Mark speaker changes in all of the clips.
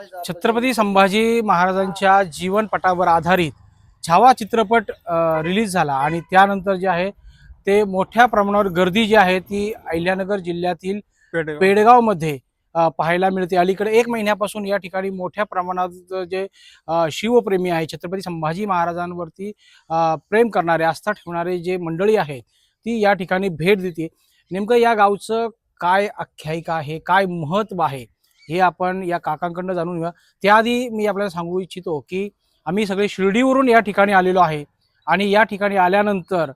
Speaker 1: छत्रपती संभाजी महाराजांच्या जीवनपटावर आधारित छावा चित्रपट रिलीज झाला आणि त्यानंतर जे आहे ते मोठ्या प्रमाणावर गर्दी जी आहे ती अहिल्यानगर जिल्ह्यातील पेडगावमध्ये पाहायला मिळते। अलीकडे 1 महिन्यापासून या ठिकाणी मोठ्या प्रमाणात जे शिवप्रेमी आहे, छत्रपती संभाजी महाराजांवरती प्रेम करणारे, आस्था ठेवणारे जे मंडळी आहेत ती या ठिकाणी भेट देते। नेमकं या गावचं काय आख्यायिका आहे, काय महत्त्व आहे हे आपण या काकांकडून जाणून घेऊया। त्याआधी मी आपल्याला सांगू इच्छितो की आम्ही सगळे शिर्डीवरून या ठिकाणी आलेलो आहे आणि या ठिकाणी आल्यानंतर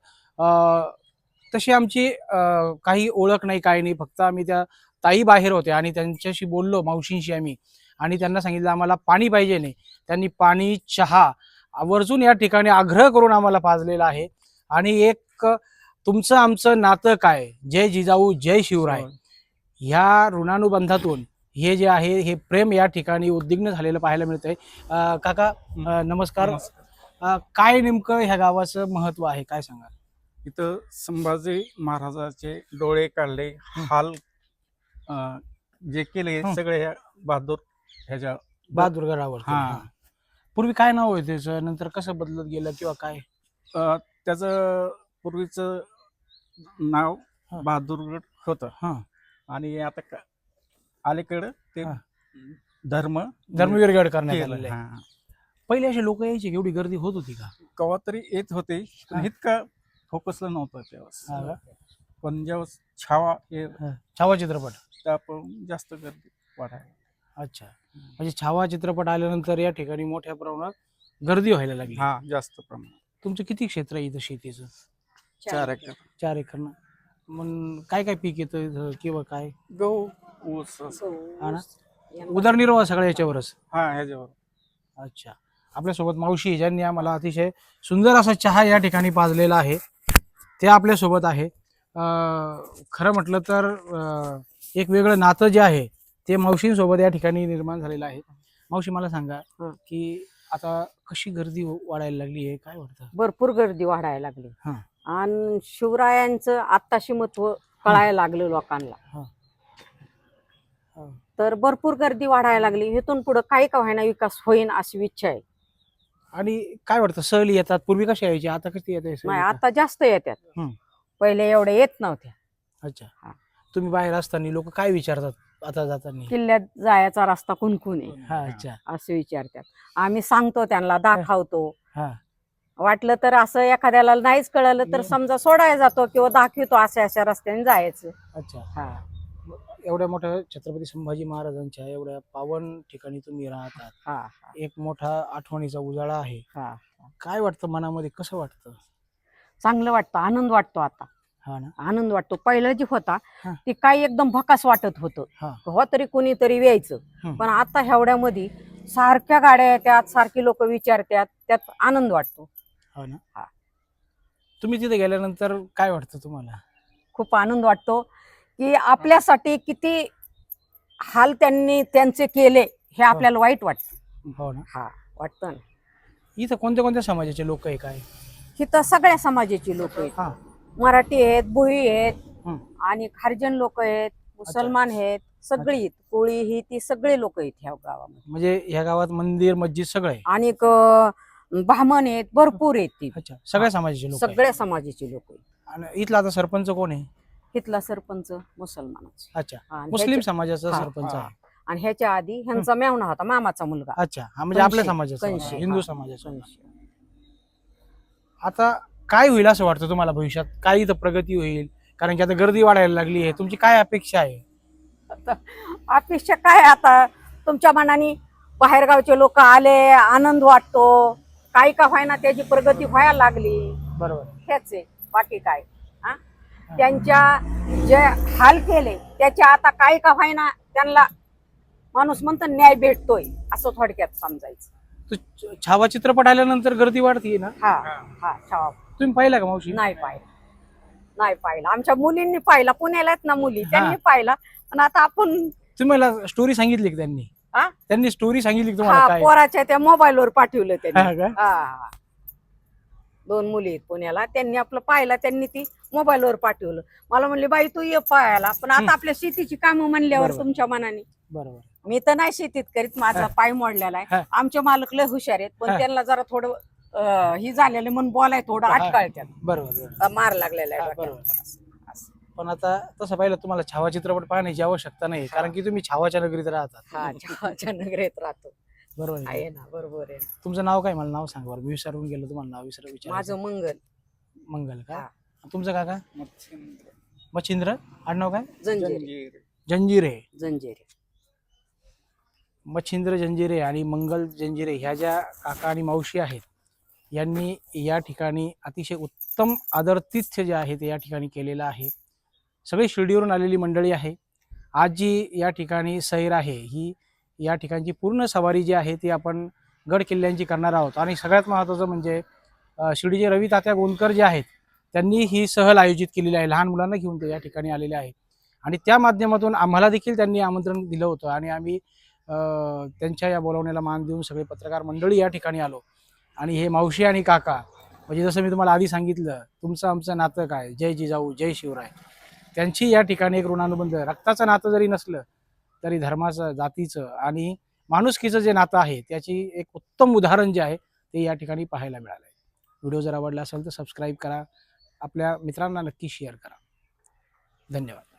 Speaker 1: तशी आमची काही ओळख नाही, काही नाही, फक्त आम्ही त्या ताई बाहेर होत्या आणि त्यांच्याशी बोललो, मावशींशी आम्ही, आणि त्यांना सांगितलं आम्हाला पाणी पाहिजे नाही। त्यांनी पाणी, चहा आवर्जून या ठिकाणी आग्रह करून आम्हाला पाजलेला आहे। आणि एक तुमचं आमचं नातं काय, जय जिजाऊ जय शिवराय, ह्या ऋणानुबंधातून हे जे आहे हे प्रेम या ठिकाणी उद्विग्न झालेलं पाहायला मिळतंय। काका नमस्कार। काय नेमकं ह्या गावाचं महत्व आहे, काय सांगा?
Speaker 2: इथं संभाजी महाराजांचे डोळे काढले, हाल जे केले सगळे ह्या ह्याच्या
Speaker 1: बहादूरगडावर। पूर्वी काय नाव होतं त्याचं, नंतर कसं बदलत गेलं किंवा काय?
Speaker 2: त्याचं पूर्वीचं नाव बहादूरगड होतं आणि आता अलीकडं ते
Speaker 1: धर्मवीरगड करण्यात आलेलं आहे। पहिले असे लोक यायचे, एवढी गर्दी होत होती का?
Speaker 2: केव्हा तरी येत होते, इतका फोकसला नव्हतं तेव्हा, पण जेव्हा
Speaker 1: छावा चित्रपट
Speaker 2: त्यापासून जास्त गर्दी वाढायला।
Speaker 1: अच्छा, म्हणजे छावा चित्रपट आल्यानंतर या ठिकाणी मोठ्या प्रमाणात गर्दी व्हायला लागली।
Speaker 2: जास्त प्रमाणात।
Speaker 1: तुमचं किती क्षेत्र आहे इथं शेतीचं?
Speaker 2: 4 एकर।
Speaker 1: 4 एकर ना? मग काय काय पीक येतं इथं किंवा काय?
Speaker 2: गहू, ऊस,
Speaker 1: उदरनिर्वाह सगळ्या याच्यावरच?
Speaker 2: ह्याच्यावर।
Speaker 1: अच्छा, आपल्यासोबत मावशी ज्यांनी आम्हाला अतिशय सुंदर असा चहा या ठिकाणी पाजलेला आहे ते आपल्यासोबत आहे। खरं म्हटलं तर एक वेगळं नातं जे आहे ते मावशींसोबत या ठिकाणी निर्माण झालेलं आहे। मावशी मला सांगा की आता कशी गर्दी वाढायला लागली आहे, काय वाटतं?
Speaker 3: भरपूर गर्दी वाढायला लागली आणि शिवरायांचं आत्ताशी महत्व कळायला लागलं लोकांना, तर भरपूर गर्दी वाढायला लागली। इथून पुढे काही का व्हायना विकास होईन अशी इच्छा आहे।
Speaker 1: आणि काय वाटतं, सहली येतात, पूर्वी कशी यायची, आता कशी येते?
Speaker 3: नाही, आता जास्त येतात, पहिले एवढे येत नव्हत्या।
Speaker 1: अच्छा, तुम्ही बाहेर असताना लोक काय विचारतात आता जाताना?
Speaker 3: किल्ल्यात जायचा रस्ता कुणकुण आहे
Speaker 1: अच्छा,
Speaker 3: असं विचारतात। आम्ही सांगतो त्यांना, दाखवतो। वाटलं तर असं एखाद्याला नाहीच कळलं तर समजा सोडायला जातो किंवा दाखवतो अशा अशा रस्त्याने जायचं।
Speaker 1: अच्छा, एवढ्या मोठ्या छत्रपती संभाजी महाराजांच्या एवढ्या पावन ठिकाणी तुम्ही राहतात, एक मोठा आठवणीचा उजाळा आहे। काय वाटतं मनामध्ये, कसं वाटतं?
Speaker 3: चांगलं वाटतं, आनंद वाटतो आता। आनंद वाटतो। पहिलं जे होता ते काही एकदम भकास वाटत होतं, हो तरी कोणीतरी यायचं, पण आता एवढ्यामध्ये सारख्या गाड्या येतात, सारखी लोक विचारतात, त्यात आनंद वाटतो।
Speaker 1: हो ना? तुम्ही तिथे गेल्यानंतर काय वाटतं तुम्हाला?
Speaker 3: खूप आनंद वाटतो की आपल्यासाठी किती हाल त्यांनी त्यांचे केले हे आपल्याला वाईट वाटतं।
Speaker 1: हो ना?
Speaker 3: वाटतं ना।
Speaker 1: इथं कोणत्या कोणत्या समाजाचे लोक आहे काय?
Speaker 3: इथं सगळ्या समाजाची लोक आहेत, मराठी आहेत, भोई आहेत आणि खारजन लोक आहेत, मुसलमान आहेत, सगळी कोळी ही ती सगळे लोक आहेत ह्या गावामध्ये।
Speaker 1: म्हणजे ह्या गावात मंदिर मस्जिद सगळे
Speaker 3: आणि ब्राह्मण आहेत, भरपूर आहेत ती।
Speaker 1: अच्छा, सगळ्या समाजाचे लोक?
Speaker 3: सगळ्या समाजाची लोक आहेत।
Speaker 1: आणि इथला आता सरपंच कोण आहे?
Speaker 3: इथला सरपंच मुसलमानाचा।
Speaker 1: अच्छा, मुस्लिम समाजाचा सरपंच आहे।
Speaker 3: आणि ह्याच्या आधी ह्यांचा मेवणा होता, मामाचा मुलगा।
Speaker 1: अच्छा, म्हणजे आपल्या समाजाचा, हिंदू समाजाचा। आता काय होईल असं वाटतं तुम्हाला भविष्यात? काय इथं प्रगती होईल? कारण की आता गर्दी वाढायला लागली आहे, तुमची काय अपेक्षा आहे?
Speaker 3: अपेक्षा काय, आता तुमच्या मनाने बाहेरगावचे लोक आले, आनंद वाटतो, काही का व्हायना त्याची प्रगती व्हायला लागली।
Speaker 1: बरोबर,
Speaker 3: हेच आहे, बाकी काय। त्यांच्या जे हाल केले त्याचे आता काही का व्हायना त्यांना माणूस म्हणतो न्याय भेटतोय, असं थोडक्यात समजायचं।
Speaker 1: छावा चित्रपट आल्यानंतर गर्दी वाढतीये ना?
Speaker 3: छावा
Speaker 1: तुम्ही पाहिला का मावशी?
Speaker 3: नाही पाहिला। आमच्या मुलींनी पाहिला, पुण्याला आहेत ना मुली, त्यांनी पाहिला। पण आता आपण,
Speaker 1: तुम्हाला स्टोरी सांगितली की त्यांनी? त्यांनी स्टोरी सांगितली तुम्हाला? काय
Speaker 3: पोराच्या त्या मोबाईलवर पाठवलं त्यांनी। 2 मुली आहेत पुण्याला. त्यांनी आपलं पाहिला, त्यांनी ती मोबाईलवर पाठवलं. मला म्हणले बाई तू ये पाहायला, पण आता आपल्या शेतीची कामं म्हणल्यावर
Speaker 1: बरोबर.
Speaker 3: तुमच्या मनाने
Speaker 1: बरोबर.
Speaker 3: मी तर नाही शेतीत करीत, माझा पाय मोडलेला आहे. आमचे मालक लय हुशार आहेत, पण त्यांना जरा थोडं ही झालेलं म्हणून बोलाय थोडं अटकाळत्यात.
Speaker 1: बरोबर.
Speaker 3: मार लागलेला आहे
Speaker 1: बरोबर.
Speaker 3: डोक्याला. असं.
Speaker 1: पण आता तसं पाहिलं तुम्हाला छावा चित्रपट पाहण्याची आवश्यकता नाही, कारण की तुम्ही छावाच्या नगरीत राहतात.
Speaker 3: हा छावाच्या नगरीत राहतो.
Speaker 1: बरोबर आहे.
Speaker 3: आहे ना, बरोबर आहे.
Speaker 1: तुमचं नाव काय? मला नाव सांगा बरं, मी विसरून गेलो तुम्हाला नाव विचार.
Speaker 3: माझं मंगल
Speaker 1: मंगल का?
Speaker 3: हा.
Speaker 1: तुमचं काका? मच्छिंद्र. आडनाव काय?
Speaker 3: जंजिरे.
Speaker 1: जंजिरे.
Speaker 3: जंजिरे.
Speaker 1: मच्छिंद्र जंजिरे आणि मंगल जंजिरे ह्या ज्या काका आणि मावशी आहेत, यांनी या ठिकाणी अतिशय उत्तम आदरातिथ्य जे आहे ते या ठिकाणी केलेलं आहे. सगळी शिर्डीवरून आलेली मंडळी आहे. आज जी या ठिकाणी सैर आहे, ही या ठिकाणची पूर्ण सवारी जी आहे ती आपण गड किल्ल्यांची करणार आहोत. आणि सगळ्यात महत्त्वाचं म्हणजे शिर्डीचे रवी तात्या गोंदकर जे आहेत, त्यांनी ही सहल आयोजित केलेली आहे. लहान मुलांना घेऊन ते या ठिकाणी आलेले आहेत आणि त्या माध्यमातून आम्हाला देखील त्यांनी आमंत्रण दिलं होतं आणि आम्ही त्यांच्या या बोलावण्याला मान देऊन सगळे पत्रकार मंडळी या ठिकाणी आलो. आणि हे मावशी आणि काका, म्हणजे जसं मी तुम्हाला आधी सांगितलं, तुमचं आमचं नातं काय, जय जिजाऊ जय शिवराय, त्यांची या ठिकाणी एक ऋणानुबंध, रक्ताचं नातं जरी नसलं तरी धर्माचं, जातीचं आणि माणुसकीचं जे नातं आहे त्याची एक उत्तम उदाहरण जे आहे ते या ठिकाणी पाहायला मिळालं आहे. व्हिडिओ जर आवडला असेल तर सबस्क्राईब करा, आपल्या मित्रांना नक्की शेअर करा. धन्यवाद.